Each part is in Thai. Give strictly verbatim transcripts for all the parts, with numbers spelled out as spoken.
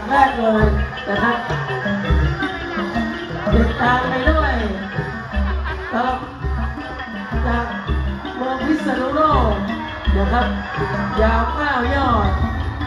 แรกเลยนะครับติดตามไปด้วยครับจากเมืองพิษณุโลกนะครับยาวเก้ายอด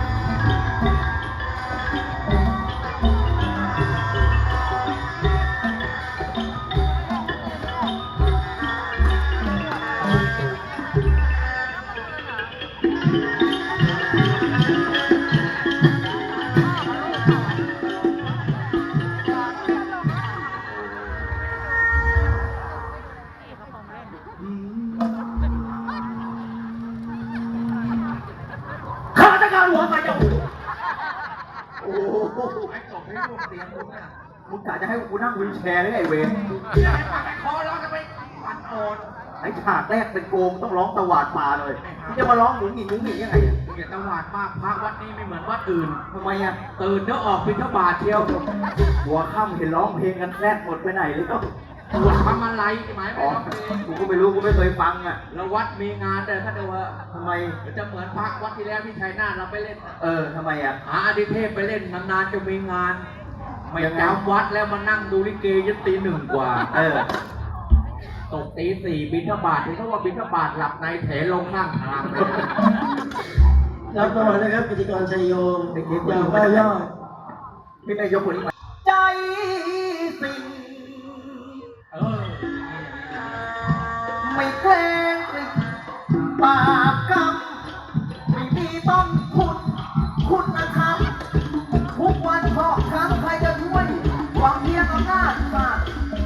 ข้าราชการหัวไฟจะหูโอ้โหไอ้จบให้ลูกเสียงมึงอ่ะมึงกะจะให้กูนั่งวีลแชร์หรือไงเวรไอ้คอร้องจะไปปั่นโอนไอ้ฉากแรกเป็นโกงต้องร้องตวาดป่าเลยที่จะมาร้องหมุนหงินหมุนหงินยังไงอ่ะมึงอย่าตวาดมากพระวัดนี้ไม่เหมือนวัดอื่นทำไมอ่ะตื่นเดี๋ยวออกบิณฑบาตเที่ยวหัวค่ำเห็นร้องเพลงกันแรกหมดไปไหนเลยก็หัวทำอะไรใช่ไหมอ๋อกูก็ไม่รู้กูไม่เคยฟังอ่ะแล้ววัดมีงานแต่ถ้าเดี๋ยวว่าทำไมจะเหมือนพระวัดที่แล้วที่ชัยนาทเราไปเล่นเออทำไมอ่ะหาอดิเทพไปเล่นนานๆจะมีงานไม่จำวัดแล้วมานั่งดูลิเกยันตีหนึ่งกว่าเออตกตีสี่บิณฑบาตเห็นเขาว่าบิณฑบาตหลับในแถลงข้างทางรับตัวนะครับกิจกรชัยโยมเด็กๆยาวเก้ายอดพี่นายกคนนี้ใจสิ่งเออไม่แกล้งบาปกรรมไม่มีต้องคุณคุณธรรมทุกวันพอกครั้งใครจะช่วยหวังเพียงอำนาจศาสตร์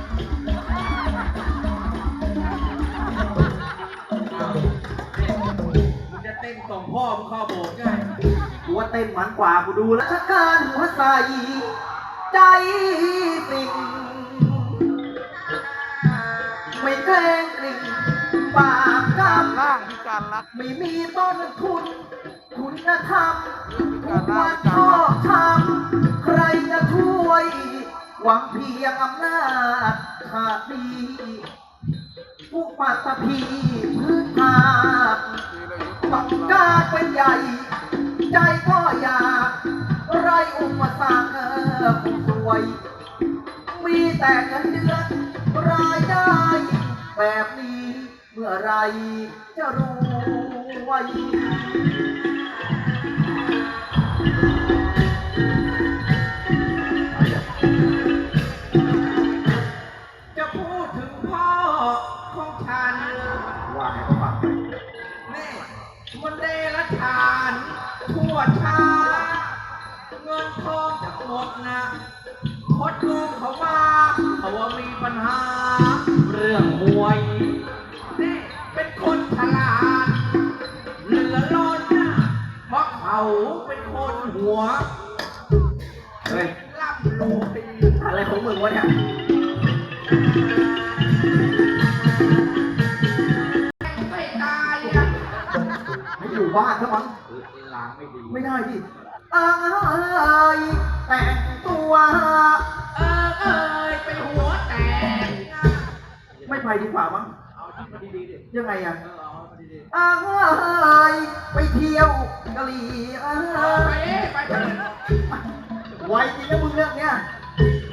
มึงจะเต้นส่งพ่อมึงเข้าโบสถ์ไงกูว่าเต้นมันกว่ากูดูแล้วชักการหัวใสใจสิ่งไม่แกล้งกลิ่นบาปกรรมร่างพิการรักไม่มีต้นทุนคุณธรรมทุกวันชอบทำใครจะช่วยหวังเพียงอำนาจขาดดีผู้ปัตตภีพื้นฐานต้องการเป็นใหญ่ใจก็อยากไรอุปสรรคผู้สวยมีแต่เงินเดือนรายได้แบบนี้เมื่อไรจะรวยจะพูดถึงพ่อของฉันว่าให้เขาฟังแม่มันเดรัจฉานทั่วชาเงินทองจะหมดนะคดโกงเขามาเขาว่ามีปัญหาเรื่องมวยนี่เป็นคนฉลาดเหลือล้นนะเพราะเขาเป็นคนหัวเฮ้ยล่ำรวยอะไรของมึงวะเนี่ยไม่ตายอ่ะให้อยู่บ้านซะมั้งล้างไม่ดีไม่ได้ดิเอ้ยแต่งตัวเออเอ้ยไปหัวแตกไม่ไปดีกว่ามั้งเอาที่มันดีๆดิยังไงอ่ะเออเอามันดีๆเอ้ยไปเที่ยวกะหรี่เออไปไปไปไวจริงนะมึงเรื่องเนี้ย